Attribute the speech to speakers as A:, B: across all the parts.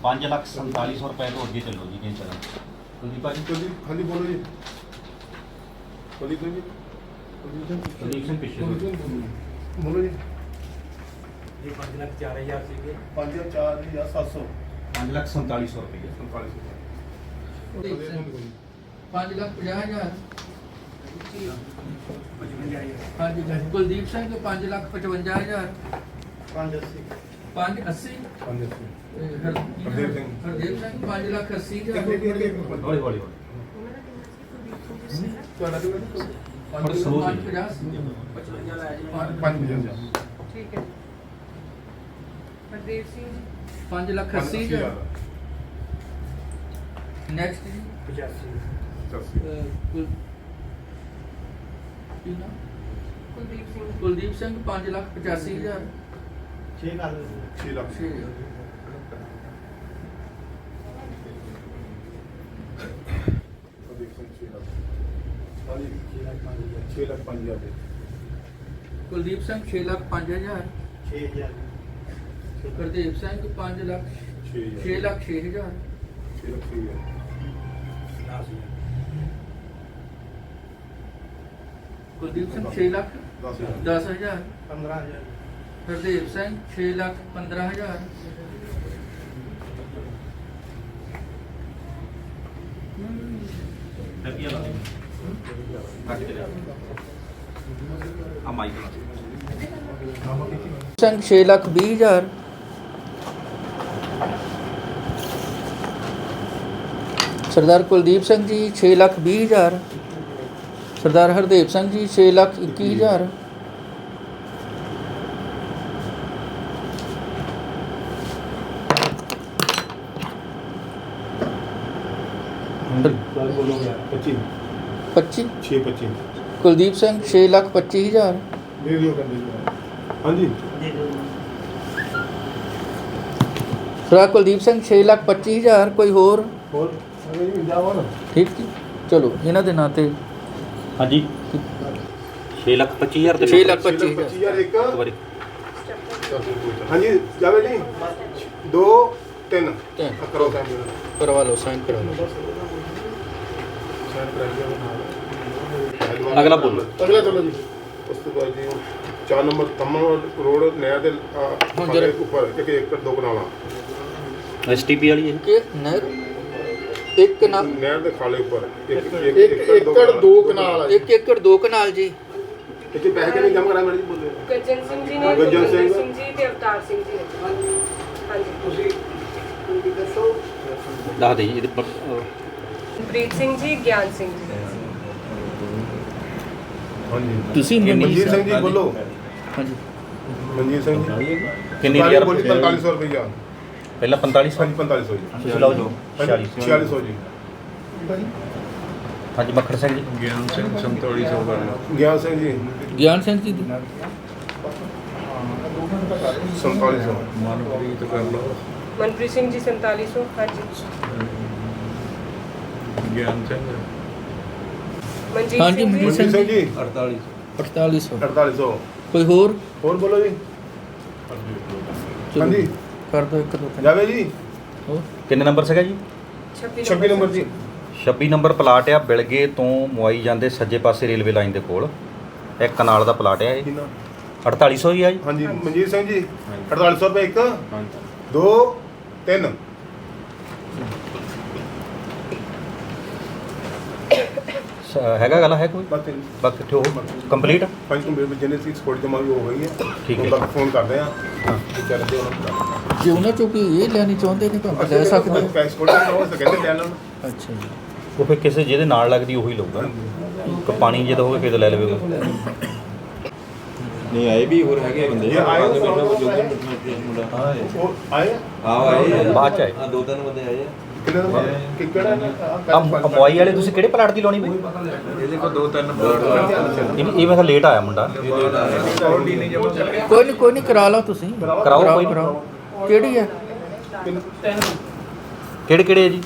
A: 5,47,000 रुपए तो अगे चलो जी नहीं चला कुलदीप भाजी
B: हाँ जी बोलो जी कुलदीप जी
A: कुलदीप सिंह पिछले
B: बोलो जी
C: ये 5,04,000 से
B: 5,04,700
A: 5,47,000 रुपये
D: 5,50,000 हाँ जी कुलदीप सिंह को 5,55,000
B: 580
D: 580
B: हरदेव सिंह
D: हरदेव सिंह 5,80,000
A: हौली हौली
B: ਤੁਹਾਡਾ
A: slow ਸੀ।
D: 5,50
E: ठीक है हरदेव सिंह जी
D: 5,80,000 नेक्स्ट जी
C: 85
E: कुलदीप सिंह
D: कुलदीप सिंह 5,85,000
C: 6 कर
B: 6 ਲੱਖ
D: 6,000
B: ਕੁਲਦੀਪ ਸਿੰਘ 6 ਲੱਖ हाँ जी 6 ਲੱਖ 5,000
D: ਕੁਲਦੀਪ ਸਿੰਘ 6,05,000
C: 6000
D: ਹਰਦੇਵ ਸਿੰਘ 5,06,000
B: 6 ਲੱਖ
D: 6,06,000
B: 6 ਲੱਖ 6
D: ਕੁਲਦੀਪ ਸਿੰਘ 6,10,000
B: 10,000
C: 15000
D: ਹਰਦੇਵ ਸਿੰਘ 6,15,000
A: रुपया ला कट के आ माइक
D: ਸਿੰਘ 6,20,000 ਸਰਦਾਰ ਕੁਲਦੀਪ ਸਿੰਘ ਜੀ 6,20,000 ਸਰਦਾਰ ਹਰਦੇਵ ਸਿੰਘ ਜੀ 6,21,000
B: बोलो 25
D: 25
B: 6 25
D: ਕੁਲਦੀਪ ਸਿੰਘ 6,25,000
B: दे दियो कर दीजिए हाँ जी
D: ਸਰਦਾਰ ਕੁਲਦੀਪ ਸਿੰਘ 6,25,000 ਕੋਈ ਹੋਰ
B: और अरे जी जाओ ना
D: ਠੀਕ ਜੀ ਚਲੋ ਇਹਨਾਂ ਦੇ ਨਾਂ ਤੇ
A: हाँ जी 6,25,000
D: 6 ਲੱਖ 25,000
B: 25,000 एक
A: बारी
B: हाँ जी जावे जी 2 3
D: ਤਿੰਨ।
B: करो साइन
D: ਕਰਵਾ ਲਓ ਸਾਈਨ ਕਰਾ ਲਓ
B: साइन करा दिया
A: अगला बोलो।
B: अगला चलो जी उस तो बाद जी 4 नंबर तमन रोड नया दे
D: जरा-
B: ऊपर एक एकड़ 2 कनाला
A: एसटीपी वाली है
D: ਕਿ ਨਹਿਰ ਇੱਕ ਨਾ
B: नहर दे खाले ऊपर एक
F: एकड़ 2 कनाल है
D: 1 ਏਕੜ 2 ਕਨਾਲ ਜੀ
B: इतने पैसे के नहीं जमा करा मैडम जी बोले
E: गज्जन सिंह जी ने
B: गज्जन
E: गुरविंदर
B: सिंह।
E: सिंह जी ते अवतार सिंह जी ने हाँ जी
A: दस दे जी
E: प्रीत सिंह जी ज्ञान सिंह जी
B: हाँ जी
D: ਤੁਸੀਂ
B: मनजीत सिंह जी बोलो
D: ਹਾਂਜੀ
B: मनजीत सिंह जी
A: कितनी हजार
B: बोली 4500 रुपया
A: पहला 45
B: हाँ जी 4500 जी
A: लाओ जी
B: 4600 जी
A: हाँ जी मक्खड़ सिंह जी
B: ज्ञान सिंह जी
D: ਗਿਆਨ ਸਿੰਘ ਜੀ ਦੀ
B: 4700
E: मनप्रीत सिंह जी 4700 हाँ जी मनजीत
D: हाँ जी,
E: सिंह
D: मनजीत
E: जी
B: मनजीत सिंह जी
D: 4800
B: 4800
D: ਕੋਈ ਹੋਰ
B: और बोलो जी
D: ਚਲੋ
B: हाँ जी
D: ਕਰ ਦੋ ਇੱਕ ਦੋ ਤਿੰਨ
B: जावे जी
D: ਹੋਰ
A: किन्ने नंबर सीगा जी
B: 26 नंबर जी
A: 26 ਨੰਬਰ ਪਲਾਟ ਆ ਬਿਲਗੇ ਤੋਂ ਮੁਆਈ ਜਾਂਦੇ ਸੱਜੇ ਪਾਸੇ ਰੇਲਵੇ ਲਾਈਨ ਦੇ ਕੋਲ ਇੱਕ ਕਨਾਲ ਦਾ ਪਲਾਟ ਆ ਇਹ 4800 ਹੀ ਆ ਜੀ
B: हाँ जी मनजीत सिंह जी 4800 रुपये एक 2 3
A: ਹੈਗਾ ਗੱਲ ਹੈ ਕੋਈ
B: बस
A: ਬਸ ਕਿੱਥੇ ਹੋ ਕੰਪਲੀਟ
B: पंच कंप्लीट जिन्हें सी स्कोर जमा भी हो गई है
A: ठीक है।
B: उन तक फोन करते हैं बेचारे दे उन्होंने
D: ਜੇ ਉਹਨਾਂ ਚੋਂ ਕੋਈ ਇਹ ਲੈਣੀ ਚਾਹੁੰਦੇ ਨੇ ਤਾਂ ਲੈ ਸਕਦੇ ਹੋ।
B: पैसे स्कोर हो सके ले लो
D: ਅੱਛਾ ਜੀ
A: ਉਹ ਫਿਰ ਕਿਸੇ ਜਿਹਦੇ ਨਾਲ ਲੱਗਦੀ ਉਹੀ ਲਊਗਾ ਕਿ ਪਾਣੀ ਜੇ ਤਾਂ ਹੋਵੇ ਫਿਰ ਤਾਂ ਲੈ ਲਵੇ
F: नहीं आए भी और है बंदे
B: ये आए हो?
F: मुंडा हां
B: वो आए
F: आओ आए
A: ਬਾਅਦ ਚ ਆਏ
F: हां 2-3 बंदे आए
B: कितने नंबर किकड़ा
A: ਆ ਮੁਆਈ ਵਾਲੇ ਤੁਸੀਂ ਕਿਹੜੇ ਪਲਾਟ ਦੀ ਲਾਉਣੀ ਬਈ
F: ਇਹਦੇ ਕੋਲ 2-3
A: ਇਹ ਮੈਂ ਕਿਹਾ ਲੇਟ ਆਇਆ ਮੁੰਡਾ
D: ਕੋਈ ਨਹੀਂ ਕਰਾ ਲਓ ਤੁਸੀਂ
A: ਕਰਾਓ, ਕੋਈ ਨੀ।
D: ਕਰਾਓ ਕਿਹੜੀ ਹੈ
A: ਕਿਹੜੇ ਕਿਹੜੇ ਹੈ ਜੀ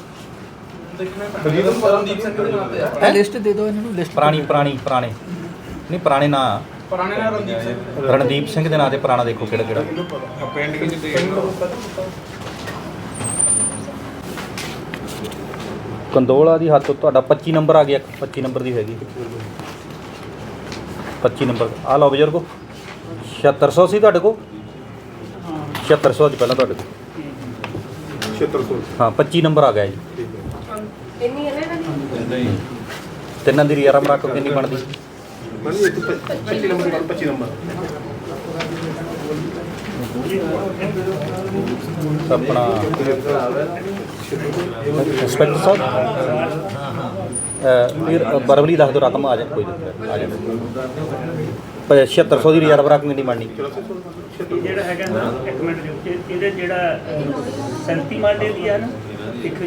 D: ਇਹ ਲਿਸਟ ਦੇ ਦਿਓ ਇਹਨਾਂ ਨੂੰ ਲਿਸਟ
A: ਪੁਰਾਣੇ ਨਹੀਂ ਪੁਰਾਣੇ ਨਾਂ ਰਣਦੀਪ ਸਿੰਘ ਦੇ ਨਾਂ ਤੇ ਪੁਰਾਣਾ ਦੇਖੋ ਕਿਹੜਾ ਕਿਹੜਾ
F: ਪਿੰਡ ਕਿੰਨੇ ਦੇ
A: ਕੰਦੋਲਾ ਦੀ ਹੱਥ ਤੁਹਾਡਾ 25 ਨੰਬਰ ਆ ਗਿਆ 25 ਨੰਬਰ ਦੀ ਹੈਗੀ 25 ਨੰਬਰ ਆ ਲਓ ਬਜ਼ੁਰਗੋ 7600 ਸੀ ਤੁਹਾਡੇ ਕੋਲ 7600 ਅੱਜ ਪਹਿਲਾਂ ਤੁਹਾਡੇ ਕੋਲ
B: 7600
A: ਹਾਂ 25 ਨੰਬਰ ਆ ਗਿਆ ਜੀ
B: ਠੀਕ ਹੈ
E: ਇੰਨੀ ਹੈ ਨਾ ਇਹਨਾਂ ਦੀ?
A: ਤਿੰਨਾਂ ਦੀ ਰੀਆਰਮ ਰੱਖ ਕਿੰਨੀ ਬਣਦੀ
B: ਮੈਂ ਇੱਕ 25 ਨੰਬਰ ਨਾਲ 25 ਨੰਬਰ
A: ਆਪਣਾ ਇੰਸਪੈਕਟਰ ਸਾਹਿਬ ਫਿਰ ਬਰਬਲੀ ਦੱਸ ਦਿਓ ਰਕਮ ਆ ਜਾ ਕੋਈ ਨਹੀਂ ਆ ਜਾਵੇ 7600 ਦੀ ਰੀਆਰਮ ਰੱਖ ਕਿੰਨੀ ਬਣਨੀ
G: ਇਹ ਜਿਹੜਾ ਹੈਗਾ ਨਾ ਇੱਕ ਮਿੰਟ ਰੁਕ ਕੇ ਇਹਦੇ ਜਿਹੜਾ 37 ਮਾਡੇ ਦੀ ਆ ਨਾ ਇੱਕ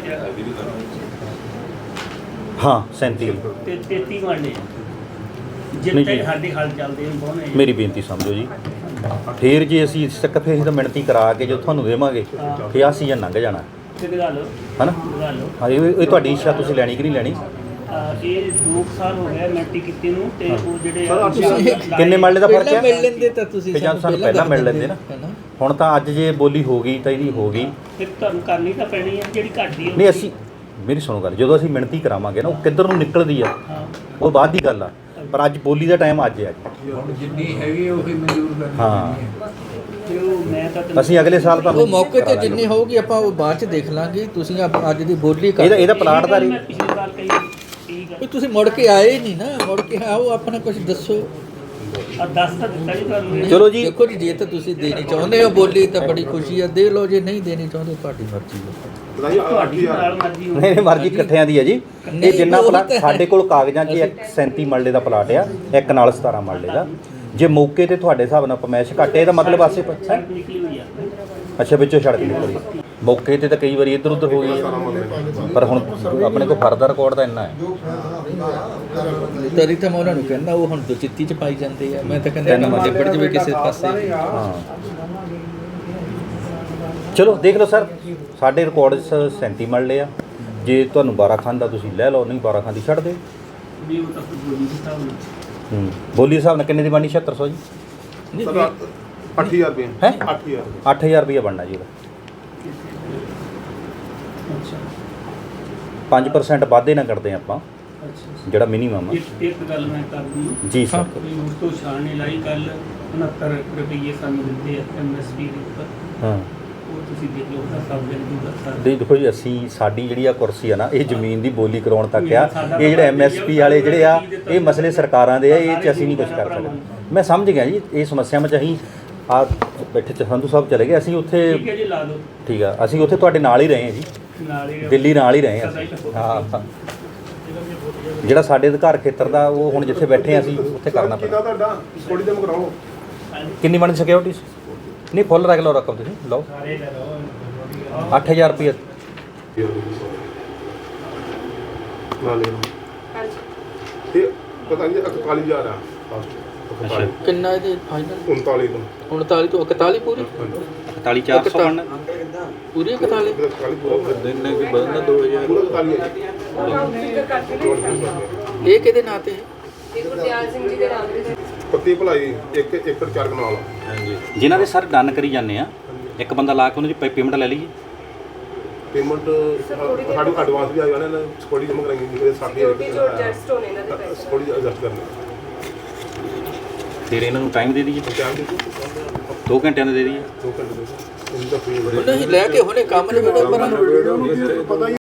A: ਹਾਂ 37
G: ਤੇ 33 ਮਾਡੇ
A: ਨਹੀਂ
G: ਜਿੱਥੇ
A: ਜੀ।
G: ਸਾਡੇ ਹਲ ਚੱਲਦੇ ਨੇ ਬਹੁਤ
A: ਮੇਰੀ ਬੇਨਤੀ ਸਮਝੋ ਜੀ ਫਿਰ ਜੇ ਅਸੀਂ ਇਸ ਤੱਕ ਫਿਰ ਅਸੀਂ ਤਾਂ ਮਿਣਤੀ ਕਰਾ ਕੇ ਜੋ ਤੁਹਾਨੂੰ ਦੇਵਾਂਗੇ ਫਿਰ ਆਹ ਸੀਜ਼ਨ ਲੰਘ ਜਾਣਾ
G: ਤੇ ਦਿਖਾ ਲਓ
A: ਹਨਾ
G: ਦਿਖਾ ਲਓ
A: ਹਾਂ ਇਹ ਤੁਹਾਡੀ ਇੱਛਾ ਤੁਸੀਂ ਲੈਣੀ ਕਿ ਨਹੀਂ ਲੈਣੀ
G: ਇਹ 2 ਸਾਲ ਹੋ ਗਏ ਮੈਟ੍ਰਿਕ ਕੀਤੀ ਨੂੰ ਤੇ ਉਹ ਜਿਹੜੇ
A: ਕਿੰਨੇ ਮਰਲੇ ਦਾ ਫਰਕ
D: ਪਹਿਲਾਂ ਮਿਲ
A: ਹੈ
D: ਲੈਂਦੇ ਤਾਂ ਤੁਸੀਂ
A: ਤੇ ਜਾਂ ਸਾਨੂੰ ਪਹਿਲਾਂ ਮਿਲ ਲੈਂਦੇ ਨਾ ਹੁਣ ਤਾਂ ਅੱਜ ਜੇ ਬੋਲੀ ਹੋ ਗਈ ਤਾਂ ਇਹਦੀ ਹੋ ਗਈ
G: ਫਿਰ ਤੁਹਾਨੂੰ ਕਰਨੀ ਤਾਂ ਪੈਣੀ ਹੈ ਜਿਹੜੀ ਘਟਦੀ
A: ਨਹੀਂ ਅਸੀਂ ਮੇਰੀ ਸੁਣੋ ਗੱਲ ਜਦੋਂ ਅਸੀਂ ਮਿਣਤੀ ਕਰਾਵਾਂਗੇ ਨਾ ਉਹ ਕਿੱਧਰ ਨੂੰ ਨਿਕਲਦੀ ਆ
G: ਹਾਂ
A: ਉਹ ਬਾਅਦ ਦੀ ਗੱਲ ਆ ਪਰ ਅੱਜ ਬੋਲੀ ਦਾ ਟਾਈਮ ਅੱਜ ਹੈ
F: ਹੁਣ ਜਿੰਨੀ ਹੈਗੀ ਉਹ ਹੀ ਮਨਜ਼ੂਰ ਕਰਨੀ
A: ਹਾਂ
G: ਤੇ ਉਹ ਮੈਂ ਤਾਂ ਤੈਨੂੰ-
A: ਅਸੀਂ ਅਗਲੇ ਸਾਲ
D: ਉਹ
A: ਤੁਹਾਨੂੰ
D: ਮੌਕੇ
A: ਕਰਾ
D: ਤੇ
A: ਦਾਂਗੇ।
D: ਜਿੰਨੀ ਹੋਊਗੀ ਆਪਾਂ ਉਹ ਬਾਅਦ ਚ ਦੇਖ ਲਾਂਗੇ ਤੁਸੀਂ ਅੱਜ ਦੀ ਬੋਲੀ ਕਰ
A: ਇਹਦਾ ਪਲਾਟ ਦਾ
G: ਮੈਂ ਪਿਛਲੇ ਸਾਲ ਕਹੀ ਠੀਕ
D: ਵੀ ਤੁਸੀਂ ਮੁੜ ਕੇ ਆਏ ਨਹੀਂ ਨਾ ਮੁੜ ਕੇ ਆਓ ਆਪਣਾ ਕੁਝ ਦੱਸੋ
G: ਆ ਦੱਸ ਤਾਂ ਦਿੱਤਾ ਜੀ ਤੁਹਾਨੂੰ ਇਹ।
A: ਚਲੋ ਜੀ
D: ਦੇਖੋ ਜੀ ਜੇ ਤਾਂ ਤੁਸੀਂ ਦੇਣੀ ਚਾਹੁੰਦੇ ਹੋ ਬੋਲੀ ਤਾਂ ਬੜੀ ਖੁਸ਼ੀ ਆ ਦੇ ਲਓ ਜੇ ਨਹੀਂ ਦੇਣੀ ਚਾਹੁੰਦੇ ਤੁਹਾਡੀ ਮਰਜ਼ੀ ਹੈ
B: ਬਤਾਈਏ
G: ਤੁਹਾਡੀ ਨਾਲ ਮਰਜ਼ੀ ਹੋਵੇ
A: ਨਹੀਂ ਨਹੀਂ ਮਰਜ਼ੀ ਇਕੱਠਿਆਂ ਦੀ ਹੈ ਜੀ ਇਹ
D: ਨਹੀਂ,
A: ਜਿੰਨਾ
D: ਉਹ
A: ਪਲਾਟ
D: ਤਾਂ ਹੈ।
A: ਸਾਡੇ ਕੋਲ ਕਾਗਜ਼ਾਂ 'ਚ ਇੱਕ 37 ਮਰਲੇ ਦਾ ਪਲਾਟ ਆ ਇੱਕ ਨਾਲ 17 ਮਰਲੇ ਦਾ ਜੇ ਮੌਕੇ ਤੇ ਤੁਹਾਡੇ ਹਿਸਾਬ ਨਾਲ ਪਮੈਸ਼ ਘੱਟੇ ਇਹਦਾ ਮਤਲਬ ਆਸੇ ਪਾਸੇ
G: ਸੜਕ ਨਿਕਲੀ ਹੋਈ ਆ
A: ਅੱਛਾ ਵਿੱਚੋਂ ਸੜਕ ਨਿਕਲੀ ਮੌਕੇ ਤੇ ਤਾਂ ਕਈ ਵਾਰੀ ਇੱਧਰ ਉੱਧਰ ਹੋ ਗਈ ਪਰ ਹੁਣ ਆਪਣੇ ਕੋਲ ਫਰਦਾ ਰਿਕਾਰਡ ਤਾਂ ਇੰਨਾ ਹੈ
D: ਤਰੀ ਤਾਂ ਮੈਂ ਉਹਨਾਂ ਨੂੰ ਕਹਿੰਦਾ ਉਹ ਹੁਣ ਦੁਚਿੱਤੀ ਚ ਪਾਈ ਜਾਂਦੇ ਆ ਮੈਂ ਤਾਂ ਕਹਿੰਦਾ
A: ਤਿੰਨ
D: ਨਾ ਨਿਬੜ ਜਵੇ ਕਿਸੇ ਪਾਸੇ
A: ਹਾਂ ਚਲੋ ਦੇਖ ਲਓ ਸਰ ਸਾਡੇ ਰਿਕਾਰਡ 'ਚ 37 ਮਰਲੇ ਆ ਜੇ ਤੁਹਾਨੂੰ 12 ਖਾਨ ਦਾ ਤੁਸੀਂ ਲੈ ਲਓ ਨਹੀਂ 12 ਖਾਨ ਦੀ ਛੱਡ ਦਿਓ
G: ਵੀ ਉਹ ਤਾਂ ਫਿਰ ਬੋਲੀ ਦੇ ਹਿਸਾਬ ਨਾਲ
A: ਬੋਲੀ ਹਿਸਾਬ ਨਾਲ ਕਿੰਨੇ ਦੀ ਬਣਨੀ 7600 ਜੀ
D: ਨਹੀਂ,
B: ਸਰ 8000 ਰੁਪਏ
A: ਹੈਂ?
B: 8000
A: 8000 ਰੁਪਏ ਬਣਨਾ ਜੀ ਉਹਦਾ
G: ਅੱਛਾ
A: 5% ਵਾਧੇ ਨਾ ਕਰਦੇ ਆਪਾਂ
G: ਅੱਛਾ
A: ਜਿਹੜਾ ਮਿਨੀਮਮ ਆ
G: ਇੱਕ ਗੱਲ ਮੈਂ ਕਰਦੀ
A: ਜੀ ਸਰ
G: ਵੀ ਉਸ ਤੋਂ ਛਾਣ ਨਹੀਂ ਲਾਈ ਕੱਲ 69 ਰੁਪਏ ਸਾਨੂੰ ਦਿੰਦੇ ਆ ਐਮਐਸਪੀ ਦੇ ਉੱਪਰ
A: ਹਾਂ
G: ਉਹ ਤੁਸੀਂ ਦੇਖ ਲਓ ਉਹਦਾ ਸਭ ਦਿਨ ਦੂਗਾ ਸਰ
A: ਦੇਖੋ ਜੀ ਅਸੀਂ ਸਾਡੀ ਜਿਹੜੀ ਆ ਕੁਰਸੀ ਆ ਨਾ ਇਹ ਜ਼ਮੀਨ ਦੀ ਬੋਲੀ ਕਰਾਉਣ ਤੱਕ ਆ ਇਹ ਜਿਹੜੇ ਐਮਐਸਪੀ ਵਾਲੇ ਜਿਹੜੇ ਆ ਇਹ ਮਸਲੇ ਸਰਕਾਰਾਂ ਦੇ ਆ ਇਹ 'ਚ ਅਸੀਂ ਨਹੀਂ ਕੁਝ ਕਰ ਸਕਦੇ ਮੈਂ ਸਮਝ ਗਿਆ ਜੀ ਇਹ ਸਮੱਸਿਆਵਾਂ 'ਚ ਅਸੀਂ ਆ ਬੈਠੇ ਚ ਸੰਧੂ ਸਾਹਿਬ ਚਲੇ ਗਏ ਅਸੀਂ ਉੱਥੇ
G: ਠੀਕ ਹੈ ਜੀ ਲਾ ਦਿਓ
A: ਠੀਕ ਆ ਅਸੀਂ ਉੱਥੇ ਤੁਹਾਡੇ ਨਾਲ ਹੀ ਰਹੇ ਹਾਂ ਜੀ
G: ਨਾਲ ਹੀ
A: ਦਿੱਲੀ ਨਾਲ ਹੀ ਰਹੇ ਹਾਂ ਅਸੀਂ ਹਾਂ ਜਿਹੜਾ ਸਾਡੇ ਅਧਿਕਾਰ ਖੇਤਰ ਦਾ ਉਹ ਹੁਣ ਜਿੱਥੇ ਬੈਠੇ ਹਾਂ ਅਸੀਂ ਉੱਥੇ ਕਰਨਾ
B: ਕਿੰਨਾ
A: ਪੈਣਾ
B: ਤੁਹਾਡਾ ਥੋੜੀ ਜਮ ਕਰਾਓ
A: ਕਿੰਨੀ ਬਣ ਸਿਕਿਉਰਿਟੀ ਨਹੀਂ ਫੁੱਲ ਰੱਖ ਲਓ ਰਕਮ ਤੁਸੀਂ ਲਓ
G: ਸਾਰੇ ਲੈ ਲਓ
A: 8000 ਰੁਪਏ
B: ਨਾ ਲੈ ਲਓ
E: ਹਾਂਜੀ
B: ਤੇ ਪਤਾ ਨਹੀਂ 41000 ਆ
A: ਅੱਛਾ।
D: ਕਿੰਨਾ ਇਹਦੇ ਫਾਈਨਲ
B: 39 ਤੋਂ
D: 39 ਤੋਂ 41 ਪੂਰੀ
A: 41400 ਬਣਨਾ
D: ਪੂਰੀ 41
B: 41 ਪੂਰਾ
F: ਦਿਨ ਨੇ ਵੀ ਬਦਲਣਾ 2000
B: ਪੂਰਾ 41 ਹੈ
E: ਫਿਕਰ ਕਰਕੇ ਨਹੀਂ
D: ਇਹ ਕਿਹਦੇ ਨਾਂ ਤੇ ਹੈ
E: ਇਹ ਗੁਰਦਿਆਲ ਸਿੰਘ ਜੀ ਦੇ ਨਾਮ ਦੇ
B: ਪੱਤੀ ਭਲਾਈ 1 ਏਕੜ 4 ਕਨਾਲ
F: ਹਾਂਜੀ
A: ਜਿਨ੍ਹਾਂ ਦੇ ਸਰ ਡਨ ਕਰੀ ਜਾਂਦੇ ਆ ਇੱਕ ਬੰਦਾ ਲਾ ਕੇ ਉਹਨਾਂ ਦੀ ਪੇਮੈਂਟ ਲੈ ਲਈਏ
B: ਪੇਮੈਂਟ ਸਾਡੀ ਐਡਵਾਂਸ ਵੀ ਆਈ ਉਹਨਾਂ ਨੇ ਥੋੜੀ ਜਮ ਕਰਾਂਗੇ ਜਿਹੜੇ
E: ਸਿਕਿਉਰਿਟੀ ਜੋ
B: 60
E: ਐਡਜਸਟ ਹੋਣੇ ਇਹਨਾਂ ਦੇ ਪੈਸੇ
B: ਥੋੜੀ ਐਡਜਸਟ ਕਰਨਾ
A: ਫਿਰ ਇਹਨਾਂ ਨੂੰ ਟਾਈਮ ਦੇ ਦਈਏ
B: ਟਾਈਮ ਦੇ
A: 2 ਘੰਟਿਆਂ ਦਾ ਦੇ ਦਈਏ
B: 2 ਘੰਟੇ ਦੇ ਇੰਦਾ ਫ੍ਰੀ
D: ਨਹੀਂ ਲੈ ਕੇ ਹੁਣੇ ਕੰਮ ਨਹੀਂ ਬੜਾ ਪਰ
B: ਪਤਾ ਹੀ